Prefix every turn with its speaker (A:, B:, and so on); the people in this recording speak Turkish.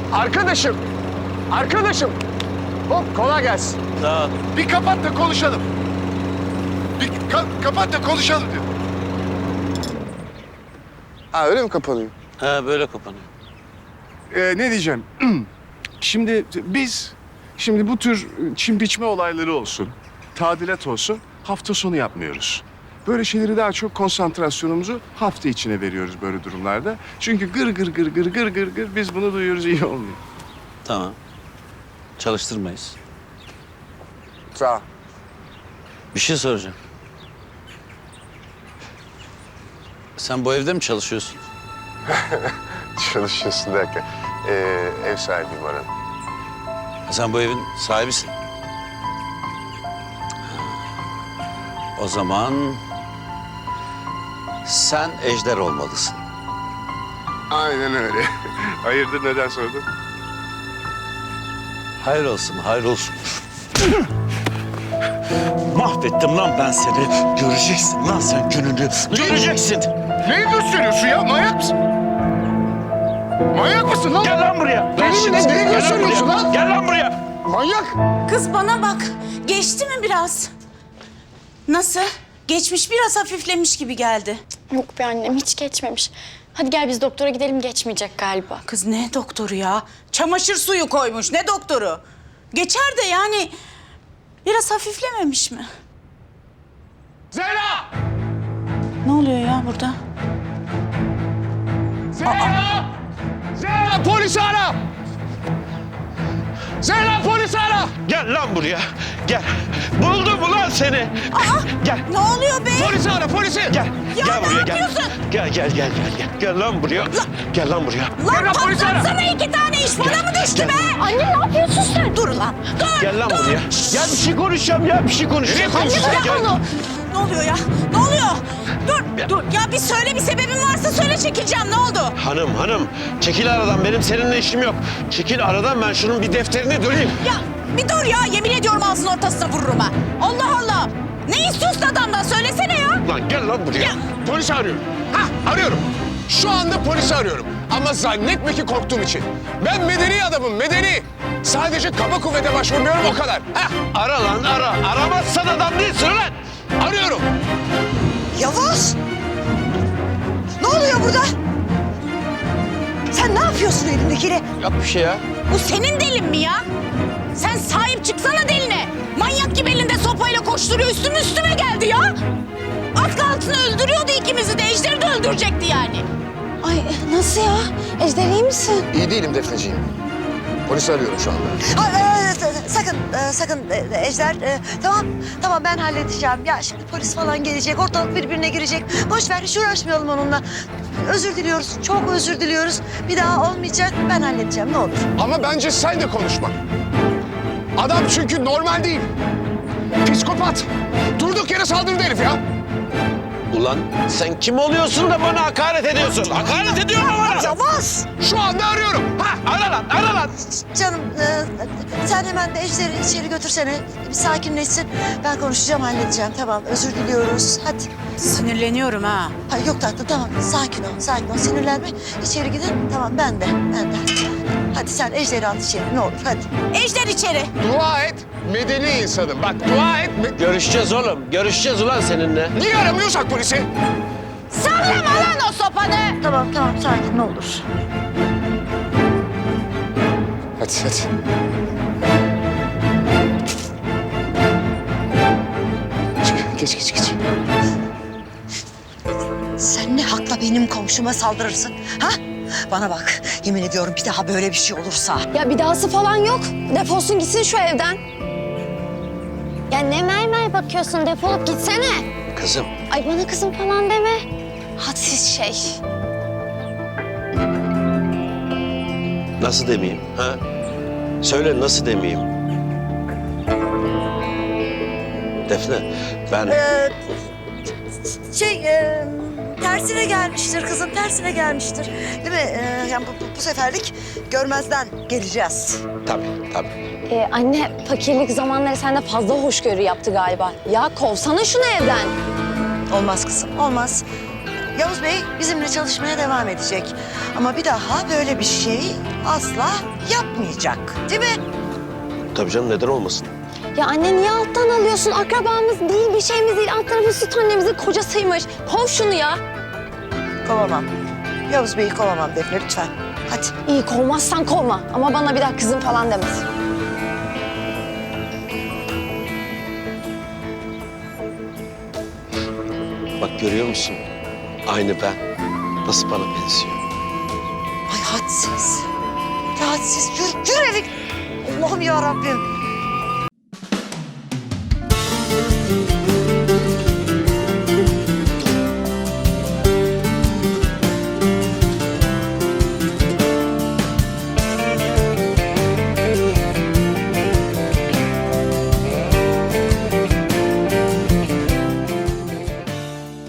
A: Arkadaşım. Arkadaşım. Hop kolay gelsin.
B: Sağ ol.
C: Bir kapat da konuşalım. Bir kapat da konuşalım diyor.
A: Ha öyle mi kapanıyor?
B: Ha böyle kapanıyor.
C: Ne diyeceğim? Şimdi bu tür çim biçme olayları olsun, tadilat olsun, hafta sonu yapmıyoruz. Böyle şeyleri daha çok konsantrasyonumuzu hafta içine veriyoruz böyle durumlarda. Çünkü gır gır gır gır gır gır gır biz bunu duyuyoruz, iyi olmuyor.
B: Tamam. Çalıştırmayız.
A: Sağ ol.
B: Bir şey soracağım. Sen bu evde mi çalışıyorsun?
A: Çalışıyorsun derken ev sahibiyim Orhan.
B: Sen bu evin sahibisin. O zaman sen Ejder olmalısın.
A: Aynen öyle.
C: Hayırdır, neden sordun?
B: Hayır olsun, hayır olsun. Mahvettim lan ben seni. Göreceksin lan sen gününü. Göreceksin.
C: Neyi gösteriyorsun ya? Manyak mısın? Manyak mısın lan?
B: Gel lan buraya.
A: Neyi gösteriyorsun lan?
B: Gel lan buraya.
A: Manyak.
D: Kız bana bak. Geçti mi biraz? Nasıl? Geçmiş, biraz hafiflemiş gibi geldi.
E: Yok be annem, hiç geçmemiş. Hadi gel biz doktora gidelim, geçmeyecek galiba.
D: Kız ne doktoru ya? Çamaşır suyu koymuş. Ne doktoru? Geçer de yani biraz hafiflememiş mi?
A: Zehra!
D: Ne oluyor ya burada?
A: Zehra! Zehra polisi ara! Zehra polisi ara!
B: Gel lan buraya. Gel. Buldum ulan seni. Gel.
D: Ne oluyor be?
A: Polisi ara polisi!
B: Gel.
D: Ya
B: gel
D: ne
B: buraya
D: yapıyorsun?
B: Gel. Gel lan buraya. Gel lan buraya.
D: Lan
A: Zehra, polisi ara!
D: patlatsana, iki tane iş bana mı düştü
B: Gel.
D: be?
E: Anne ne yapıyorsun sen?
D: Dur lan. Dur.
B: Gel lan
D: dur.
B: buraya. Gel bir şey konuşacağım ya. Bir şey konuşacağım.
D: Anne bırak
B: Gel.
D: onu. Ne oluyor ya? Ne oluyor? Dur. Ya bir söyle, bir sebebin varsa söyle, çekileceğim. Ne oldu?
B: Hanım. Çekil aradan. Benim seninle işim yok. Çekil aradan, ben şunun bir defterini döneyim.
D: Ya bir dur ya. Yemin ediyorum ağzının ortasına vururum ha. Allah Allah. Ne istiyorsun adamdan? Söylesene ya.
B: Lan gel lan buraya.
D: Ya.
A: Polisi arıyorum. Arıyorum. Şu anda polisi arıyorum. Ama zannetme ki korktuğum için. Ben medeni adamım, medeni. Sadece kaba kuvvete başvurmuyorum, o kadar.
B: Ara lan ara. Aramazsan adam değilsin lan.
A: Arıyorum.
F: Yavuz! Ne oluyor burada? Sen ne yapıyorsun elindekiyle?
B: Yap bir şey ya.
D: Bu senin delin mi ya? Sen sahip çıksana deline. Manyak gibi elinde sopayla koşturuyor, üstüme geldi ya. Az kalsın öldürüyordu ikimizi de. Ejder'i de öldürecekti yani.
E: Ay nasıl ya? Ejder iyi misin?
A: İyi değilim Defneciğim. Polisi arıyorum şu anda.
F: Sakın Ejder. Tamam ben halledeceğim. Ya şimdi polis falan gelecek, ortalık birbirine girecek. Boş ver, hiç uğraşmayalım onunla. Özür diliyoruz, çok özür diliyoruz. Bir daha olmayacak, ben halledeceğim, ne olur.
A: Ama bence sen de konuşma. Adam çünkü normal değil. Psikopat. Durduk yere saldırdı herif ya.
B: Ulan sen kim oluyorsun da bana hakaret ediyorsun? Hakaret ediyorsun bana.
F: Yavuz!
A: Şu anda arıyorum.
B: Ara lan.
F: Canım, sen hemen de Ejder'i içeri götürsene. Bir sakinleşsin. Ben konuşacağım, halledeceğim. Tamam, özür diliyoruz. Hadi.
D: Sinirleniyorum ha.
F: Ha, yok tatlım, tamam. Sakin ol. Sinirlenme. İçeri gidin. Tamam, ben de. Hadi sen Ejder'i al içeri, ne olur, hadi.
D: Ejder içeri.
A: Dua et. Medeni insanım. Bak dua et.
B: Görüşeceğiz oğlum. Görüşeceğiz ulan seninle.
A: Niye aramıyorsak polisi?
D: Sallama lan o sopanı.
F: Tamam, sakin, ne olur.
A: Hadi. Geç.
F: Sen ne hakla benim komşuma saldırırsın, ha? Bana bak, yemin ediyorum bir daha böyle bir şey olursa...
E: Ya bir dahası falan yok. Defolsun gitsin şu evden. Ya ne mermer bakıyorsun, defolup gitsene.
B: Kızım.
E: Ay bana kızım falan deme. Hadsiz şey.
B: Nasıl demeyeyim ha? Söyle nasıl demeyeyim? Defne ben...
F: Tersine gelmiştir kızım, tersine gelmiştir. Değil mi? Yani bu seferlik görmezden geleceğiz.
B: Tabii.
E: Anne fakirlik zamanları sende fazla hoşgörü yaptı galiba. Ya kovsana şunu evden.
F: Olmaz kızım, olmaz. Yavuz Bey bizimle çalışmaya devam edecek. Ama bir daha böyle bir şey asla yapmayacak. Değil mi?
B: Tabii canım, neden olmasın?
E: Ya anne niye alttan alıyorsun? Akrabamız değil, bir şeyimiz değil. Alt tarafı süt annemizin kocasıymış. Kov şunu ya.
F: Kovamam. Yavuz Bey'i kovamam Defne lütfen. Hadi.
E: İyi kovmazsan kovma. Ama bana bir daha kızım falan demez.
B: Bak görüyor musun? Aynı ben. Nasıl bana benziyor?
F: Ay hadsiz. Ya hadsiz. Yürü eve. Allah'ım ya Rabbim.